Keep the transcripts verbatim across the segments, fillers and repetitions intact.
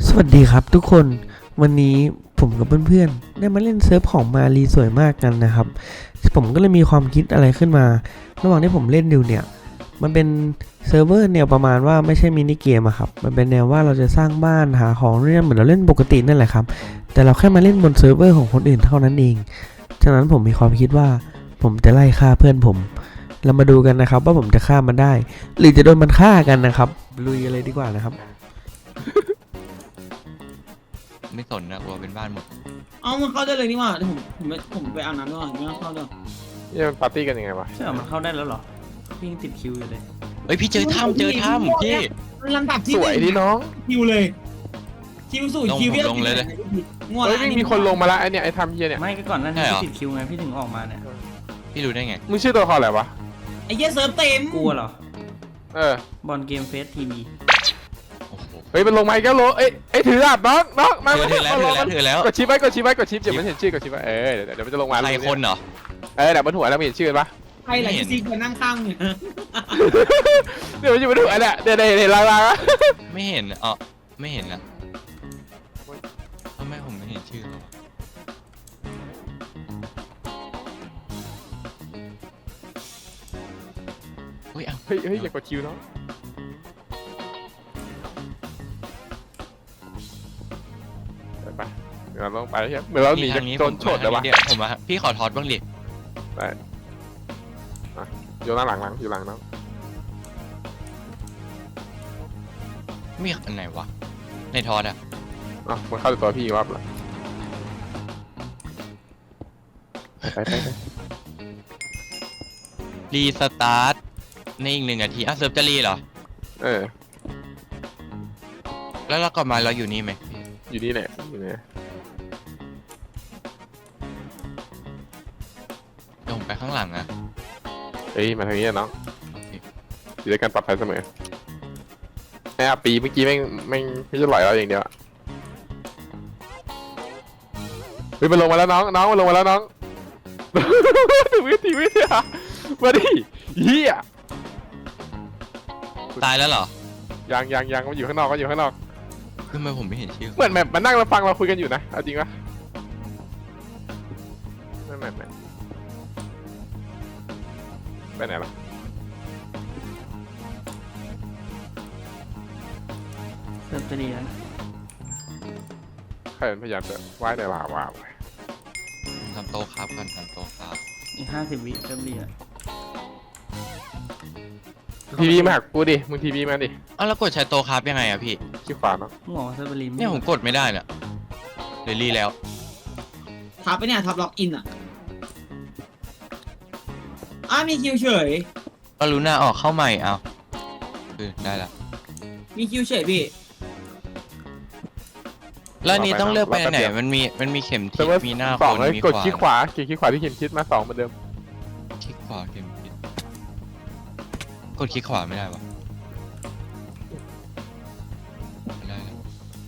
สวัสดีครับทุกคนวันนี้ผมกับเพื่อนๆได้มาเล่นเซิร์ฟของมารีสวยมากกันนะครับผมก็เลยมีความคิดอะไรขึ้นมาระหว่างที่ผมเล่นอยู่เนี่ยมันเป็นเซิร์ฟเวอร์แนวประมาณว่าไม่ใช่มินิเกมอะครับมันเป็นแนวว่าเราจะสร้างบ้านหาของเรื่องเหมือนเราเล่นปกตินั่นแหละครับแต่เราแค่มาเล่นบนเซิร์ฟเวอร์ของคนอื่นเท่านั้นเองฉะนั้นผมมีความคิดว่าผมจะไล่ฆ่าเพื่อนผมเรามาดูกันนะครับว่าผมจะฆ่ามันได้หรือจะโดนมันฆ่ากันนะครับลุยกันเลยดีกว่านะครับไม่สนนะกลัวเป็นบ้านหมดเอามันเข้าได้เลยนี่หว่าเดี๋ยวผมผมไปผมไปอาบน้ำด้วยไม่ต้องเข้าด้วยนี่มันปาร์ตี้กันยังไงวะใช่มันเข้าได้แล้วเหรอพี่ยังติดคิวอยู่เลยเฮ้ยพี่เจอถ้ำเจอถ้ำพี่ลำดับที่สวยดีน้องคิวเลยคิวสู่คิวลงเลยเลยง่วงเฮ้ยมีคนลงมาละไอเนี่ยไอทำเฮียเนี่ยไม่ก็ก่อนนั้นพี่ติดคิวไงพี่ถึงออกมาเนี่ยพี่รู้ได้ไงมึงชื่อตัวละครอะไรวะไอ้เหี้ยเซิร์ฟเต็มกลัวเหรอเออบอลเกมเฟสทีวีเฮ้ยมันลงมาอีกแล้วโลเอ้ยเอ้ยถือดาบน้องน้องมาถือแล้วถือแล้วถือแล้วกดชิปไว้กดชิปไว้กดชิปเดี๋ยวมันเห็นชื่อกดชิปไว้เออเดี๋ยวเดี๋ยวมันจะลงมาใครคนเหรอเออเดี๋ยวบนหัวเราเห็นชื่อปะใครหลายซีคนนั่งข้างเนี่ยเดี๋ยวมันอยู่บนหัวเนี่ยเดี๋ยวเดี๋ยวเห็นลางๆไม่เห็นอ๋อไม่เห็นนะทำไมผมไม่เห็นชื่อเขาเฮ้ยเฮ้ยเฮ้ยอย่ากดคิวเนาะไปเดี๋ยวเราต้องไปใช่ไหมเหมือนเราหนีจากโจรโฉดเลยวะผมมาพี่ขอทอดบ้างดิได้อยู่หน้าหลังหลังอยู่หลังน้องมีอันไหนวะในทอดอ่ะอ๋อมันเข้าตัวพี่วับละไปไปไปรีสตาร์ทในอีกหนึ่งนาทีอ่ะเซิร์ฟจะรีเหรอเออแล้วเรากลับมาเราอยู่นี่ไหมอยู่นี่แหละอยู่นี่เดี๋ยวผมไปข้างหลังอ่ะเฮ้ยมาทางนี้น้องอยู่ด้วยกันปลอดภัยเสมอไอ้อาปีเมื่อกี้แม่งแม่งไม่ใช่หลอยเราอย่างเดียวเฮ้ยมันลงมาแล้วน้องน้องมันลงมาแล้วน้องวิธีวิธีมาดิเฮียตายแล้วเหรอยังยังยังมันอยู่ข้างนอกมันอยู่ข้างนอกทำไมผมไม่เห็นชื่อเหมือนแบบมันนั่งเราฟังเราคุยกันอยู่นะเอาจริงปะไม่ไม่ไม่ไปไหนล่ะเซิร์ฟจะดีแล้วใครเป็นพยายามจะว่ายในลาวาไปทำโต๊ะครับกันทำโต๊ะครับอีกห้าสิบวิเซิร์ฟดีอ่ะทีวีมาหักกูดิมึงทีวีมาดิอ้าวแล้วกดใช้โต๊ะครับยังไงอะพี่ขี้ขวาเนาะหมอเซิร์ฟรีเนี่ยผมกดไม่ได้เนี่ยเดี๋ยวรีแล้วทับไปเนี่ยทับล็อกอินอ่ะอ้ามีคิวเฉยก็รู้หน้าออกเข้าใหม่เอาคือได้ละมีคิวเฉยพี่แล้วนี่ต้องเลือกไปไหนมันมีมันมีเข็มทิศมีหน้าคนมีขวากดขี้ขวาเขียนขี้ขวาที่เข็มทิศมาสองเหมือนเดิมคลิกขวาเข็มทิศกดคลิกขวาไม่ได้วะไม่ได้แล้ว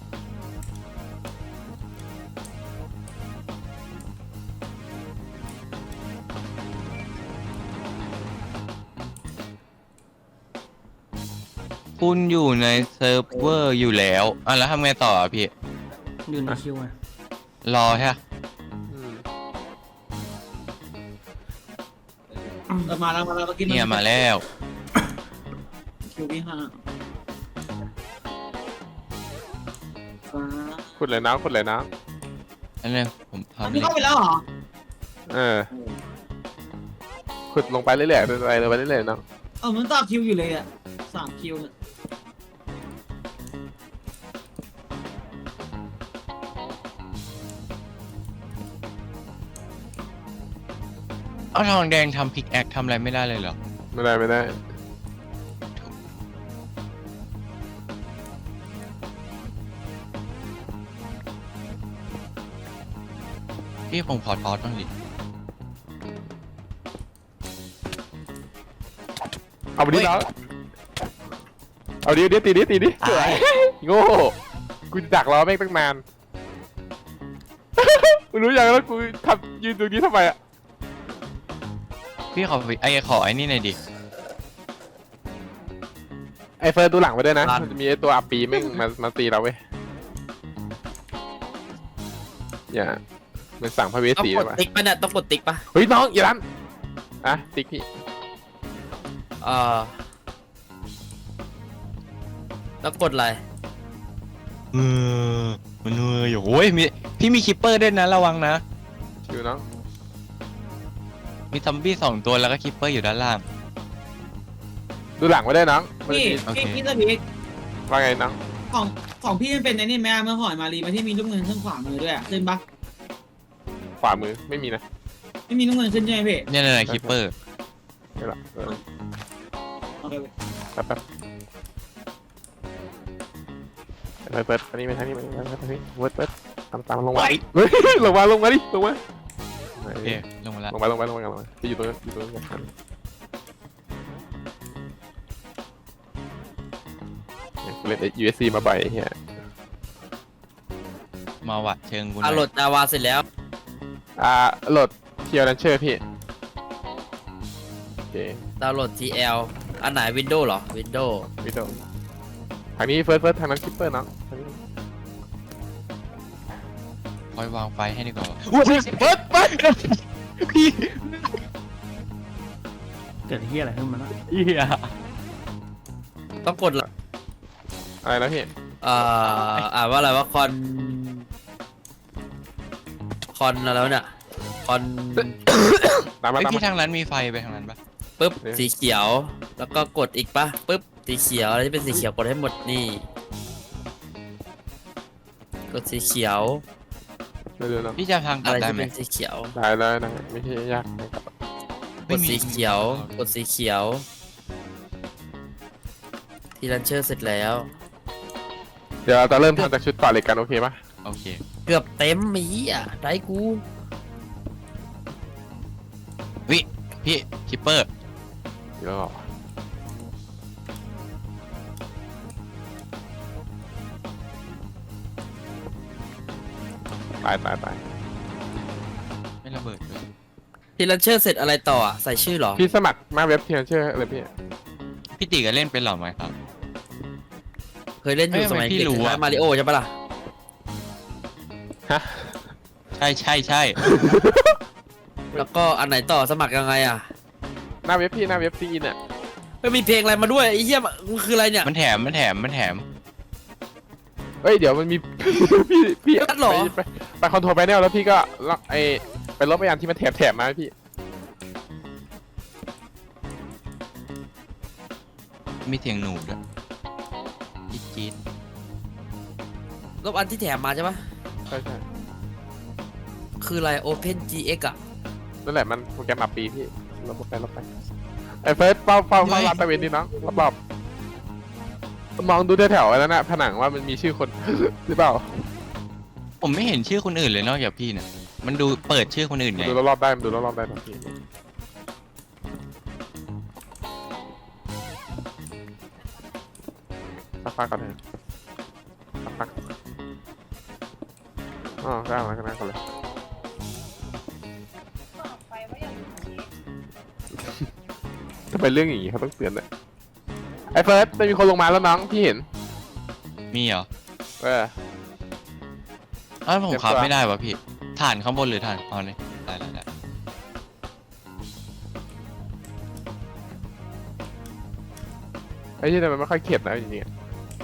คุณอยู่ในเซิร์ฟเวอร์อยู่แล้วอ่ะแล้วทำไงต่อพี่อยู่ในคิวไงรอใช่ไหมเออมาแล้วมาแล้วเมื่อกี้เนี่ยมาแล้วคิวที่ห้าขุดเลยนะขุดเลยนะอันนี้ผมทำอันนี้เข้าไปแล้วเหรอเออขุดลงไปเรื่อยๆไปเลยไปเรื่อยๆเนาะเออมันต่อคิวอยู่เลยอ่ะสามคิวเนี่ยเอาทองแดงทำพิกแอคทำอะไรไม่ได้เลยเหรอไม่ได้ไม่ได้พี่ผมขอทอสบ้างดิเอาไปดิแล้วเอาดิเดี๋ยวตีดิตีดิโง่กูดักรอแม่งตั้งนานมึงรู้ยังแล้วกูทำยืนตรงนี้ทำไมอ่ะพี่ขอไอ้ขอไอ้นี่หน่อยดิไอเฟิร์นดูหลังไปด้วยนะมันจะมีไอตัวอาปีแม่งมามาตีเราเว้ยอย่ามันสั่งพระเวสต้องสีกได้ดปะติ๊กปะเนี่ยต้องกดติ๊กปะเฮ้ยน้องอย่าลันอ่ะติ๊กพี่เออแล้วกดอะไรเออมันเอออยู่โอ้ยมีพี่มีคิปเปอร์ด้วยนะระวังนะชิวน้องมีซอมบี้สองตัวแล้วก็คิปเปอร์อยู่ด้านล่างดูหลังไว้ได้วยน้องมันพี่จะมีโอเคพี่พี่สบิ๊กว่าไงน้องของของพี่มันเป็นไอ้นี่แม่เมื่อก่อนมารีมาที่มีลูกเงินขึ้นขวามือด้วยอะขึ้นปะขวามือไม่มีนะไม่มีลูกเงินขึ้นใช่ไหมพี่เนี่ยเนี่ยคิปเปอร์ไม่หรอกเออโอเคพี่แป๊บแป๊บเปิดเปิดอันนี้ไปทางนี้ไปทางนี้ไปทางนี้เปิดเปิดตามตามลงมาเฮ้ยลงมาลงมาดิลงมาโอเคลงมาแล้วลงมาลงมาลงมาลงมาจะอยู่ตรงนั้นอยู่ตรงนั้นกันเล่น ยู เอส ซี มาบ่อยเฮียมาวัดเชิงกูหอ่ะน่อยโหลดจาวาเสร็จแล้วอ่าโหลดเทียร์นันเชอร์พี่โอเคดาวน์โหลด ที แอล อันไหน Windows เหรอ Windows วิดีโอทางนี้เฟิร์สเฟิร์สทางนั้นคิปเปอร์เนาะทางนี้คอยวางไฟให้ดีกว่าเปิดเปิดพี่เกิดที่อะไรขึ้นมาแล้วเหี้ยต้องกดละอะไรนะพี่เอ่ออ่านว่าอะไรว่าคอน คอนอะไรวะเนี่ย คอนตามมาไอตามพี่มาทางนั้นมีไฟไปทางนั้นปะปุ๊บเอ๊ะสีเขียว แล้วก็กดอีกปะปุ๊บสีเขียวอะไรที่เป็นสีเขียวกดให้หมดนี่ กดสีเขียวเร็วๆเนาะพี่จะทางกอะลับไรได้ที่ไหมเป็นสีเขียวได้เลยนะไม่ใช่ยากนะครับกดสีเขียว กดสีเขียว ทีลันเชอร์เสร็จแล้วเดี๋ยวเราจะเริ่มทำจากชุดก่อนเลยกันโอเคปะโอเคเกือบเต็มมีอ่ะได้กูวิพี่คิปเปอร์เดี๋ยวรอตายตายตายไม่ระเบิดเลยทีลันเชอร์เสร็จอะไรต่ออ่ะใส่ชื่อเหรอพี่สมัครมาเว็บเทียร์เชื่อเลยพี่พี่ตีก็เล่นเป็นเหรอไหมครับเคยเล่นอยู่เอ้ยสมัยทำไมพี่เด็กรู้คล้ายอะมาริโอใช่ปะล่ะฮะใช่ใช่ใช่แล้วก็อันไหนต่อสมัครยังไงอ่ะหน้าเว็บพี่หน้าเว็บซีเนี่ยไม่มีเพลงอะไรมาด้วยไอ้เหี้ยมันคืออะไรเนี่ยมันแถมมันแถมมันแถมเอ้ยเดี๋ยวมันมี พี่พี่นัดเหรอไปไปไปคอนโทรลแพนเนลแล้วพี่ก็ล็อกไอไปลบไปอันที่มันแถบแถบมาให้พี่มีเสียงหนูด้วยจี๊ดจี๊ดลบอันที่แถมมาใช่ปะใช่ใช่คืออะไร Open จี เอ็กซ์ อ่ะนั่นแหละมันโปรแกรมอัปปีพี่ลบไปลบไปไอเฟิร์สเฝ้าเฝ้าเฝ้าร้านตะเวนดิน้องรอบๆมองดูแถวๆไว้แล้วนะผนังว่ามันมีชื่อคน หรือเปล่าผมไม่เห็นชื่อคนอื่นเลยนอกจากพี่เนี่ยมันดูเปิดชื่อคนอื่นไงดูรอบๆได้มันดูรอบๆได้ทันทีสักพักก่อนนะสักพักอ๋อก็เอาแล้วก็นั่งก่อนเลยทำไมเรื่องอย่างนี้เขาต้องเตือนเลยไอ้เฟิร์สไม่มีคนลงมาแล้วน้องพี่เห็นมีเหรอเอออ้าวผมเก็บขับตัวไม่ได้วะพี่ฐานข้างบนหรือฐานอ๋อเลยได้ได้ได้ไอ้ที่แต่มันไม่ค่อยเข็ดนะจริงๆอะ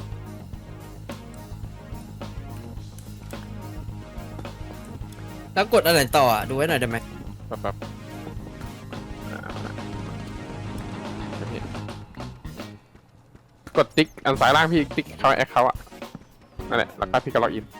แล้วกดอันไหนต่ออ่ะดูไว้หน่อยได้ไหมแบบแบบอ่าไม่เห็นกดติ๊กอันซ้ายล่างพี่ติ๊กเขาแอคเขาอะนั่นแหละแล้วก็พี่ก็ล็อกอิน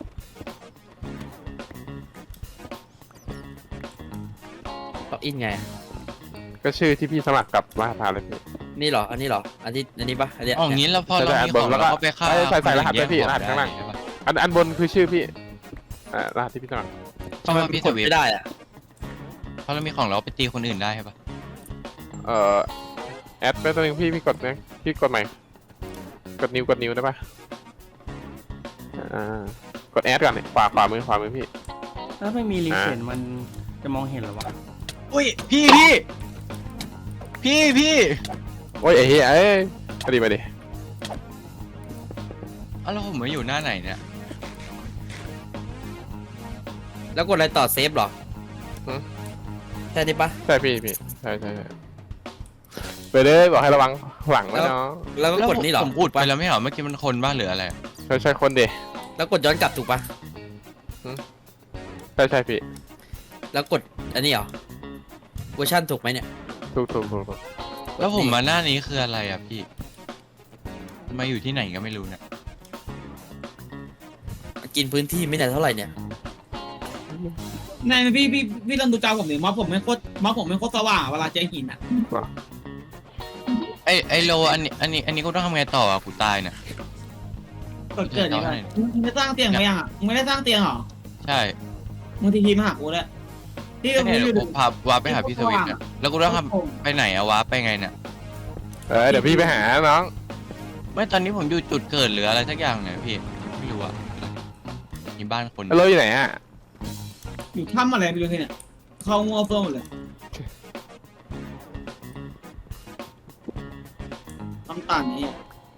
ล็อกอินไงก็ชื่อที่พี่สมัครกับรหัสผ่านเลยพี่นี่เหรออันนี้เหรออันนี้อันนี้ปะอันเนี้ยอ๋ออย่างนี้แล้วพอเราใช่มีใช่ของแล้วก็เราก็ไปฆ่าใส่ใส่รหัสคนอื่นไปพี่แยกรหัสข้างล่างได้ใช่ปะอันอันบนคือชื่อพี่อ่ารหัสที่พี่สมัครเพราะว่าพี่กสดวิฟไม่ได้อ่ะเพราะเรามีของเราไปตีคนอื่นได้ใช่ปะเอ่อแอดไปตัวหนึงพี่พี่กดนะพี่กดใหม่กดนิ้วกดนิ้วได้ปะอ่ากดแอดก่อนเนี่ยขวาขวามือขวามือพี่ถ้าไม่มีรีเฟนมันจะมองเห็นหรอวะอุ้ยพี่พี่พี่พี่โอ้ยไอ้เหี้ยเอ้ยมาดิมาดิอ้าวแล้วผมมาอยู่หน้าไหนเนี่ยแล้วกดอะไรต่อเซฟเหรอหือใช่ดิปะใช่พี่พี่ใช่ใช่ใช่ไปเลยบอกให้ระวังหลังไว้เนาะแล้วก็แล้วกดนี่เหรอผมอุดไปแล้วไม่เหรอเมื่อกี้มันคนบ้าหรืออะไรใช่ใช่คนเดแล้วกดย้อนกลับถูกปะใช่ใช่พี่แล้วกดอันนี้เหรอเวอร์ชันถูกไหมเนี่ยถูกถูกถูกถูกแล้วผมมาหน้านี้คืออะไรอ่ะพี่มาอยู่ที่ไหนก็ไม่รู้เนี่ยกินพื้นที่ไม่ได้เท่าไหร่เนี่ยนายพี่พี่พี่ลองดูจอผมดิม็อบผมไม่โคตรม็อบผมไม่โคตรสว่างเวลาเจอหินอ่ะไอไอโลอันนี้อันนี้อันนี้กูต้องทำไงต่ออ่ะกูตายเนี่ยเกิดเกิดยังไงมึงไม่สร้างเตียงไปยังอ่ะมึงไม่ได้สร้างเตียงหรอใช่มึงทีทีมาหากูแล้วพี่ก็เนี่ยไม่เดี๋ยวรู้กูพาวาร์ปไปหาพี่สวิตเนี่ยแล้วกูต้องทำไปไหนอะวาร์ปไปไงเนี่ยเออเดี๋ยวพี่ไปหาน้องไม่ตอนนี้ผมอยู่จุดเกิดหรืออะไรสักอย่างเนี่ยพี่ไม่รู้อะมีบ้านคนเราอยู่ไหนอ่ะอยู่ถ้ำอะไรไม่รู้ที่เนี่ยเข้างัวเฟื่องหมดเลยน้ำตาลนี่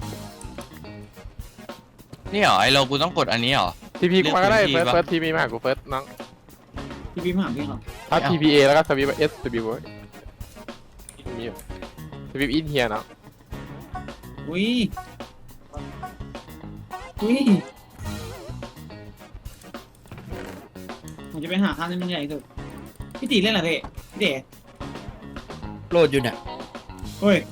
นี่เหรอไอโลกูต้องกดอันนี้เหรอทีพีกูมาก็ได้เรีเฟิยร์กสพื้นที่เฟิร์สทีพีมาหากูเฟิร์สน้องพี่พี่มาหาพี่เหรอถ้าไม่เอาทีพีเอแล้วก็สวิปเอสสวิปมีอยู่สวิปอินเฮียเนาะอุ้ยอุ้ยผมจะไปหาข้าวที่มันใหญ่สุดพี่ตีเล่นอะไรพี่พี่เด๋โหลดอยู่เนี่ยเฮ้ย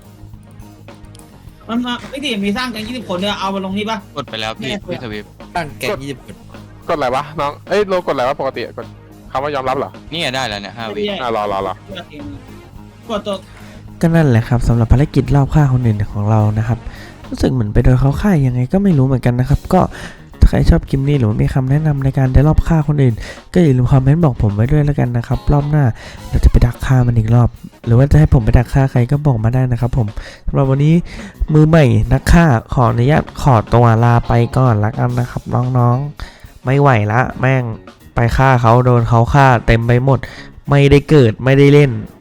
มันมาพี่ตีมีสร้างกันยี่สิบคนเนี่ยเอามาลงนี่ปะกดไปแล้วพี่พี่สวิปตั้งแก๊งยี่สิบคนกดอะไรวะน้องเอ้ยโลกดอะไรวะปกติกดคำว่ายอมรับเหรอนี่ไงได้แล้วเนี่ยห้าวิอ่ะรอรอรอกดตัวก็นั่นแหละครับสำหรับภารกิจรอบฆ่าคนอื่นของเรานะครับรู้สึกเหมือนไปโดนเขาฆ่ายังไงก็ไม่รู้เหมือนกันนะครับก็ถ้าใครชอบคลิปนี้หรือว่ามีคำแนะนำในการได้รอบฆ่าคนอื่น ก็อย่าลืมคอมเมนต์บอกผมไว้ด้วยแล้วกันนะครับรอบหน้าเราจะไปดักฆ่ามันอีกรอบ หรือว่าจะให้ผมไปดักฆ่าใครก็บอกมาได้นะครับผมสำหรับวันนี้มือใหม่นักฆ่าขออนุญาตขอตัวลาไปก่อนละกันนะครับน้องๆไม่ไหวละแม่งไปฆ่าเขาโดนเขาฆ่าเต็มไปหมด ไม่ได้เกิดไม่ได้เล่น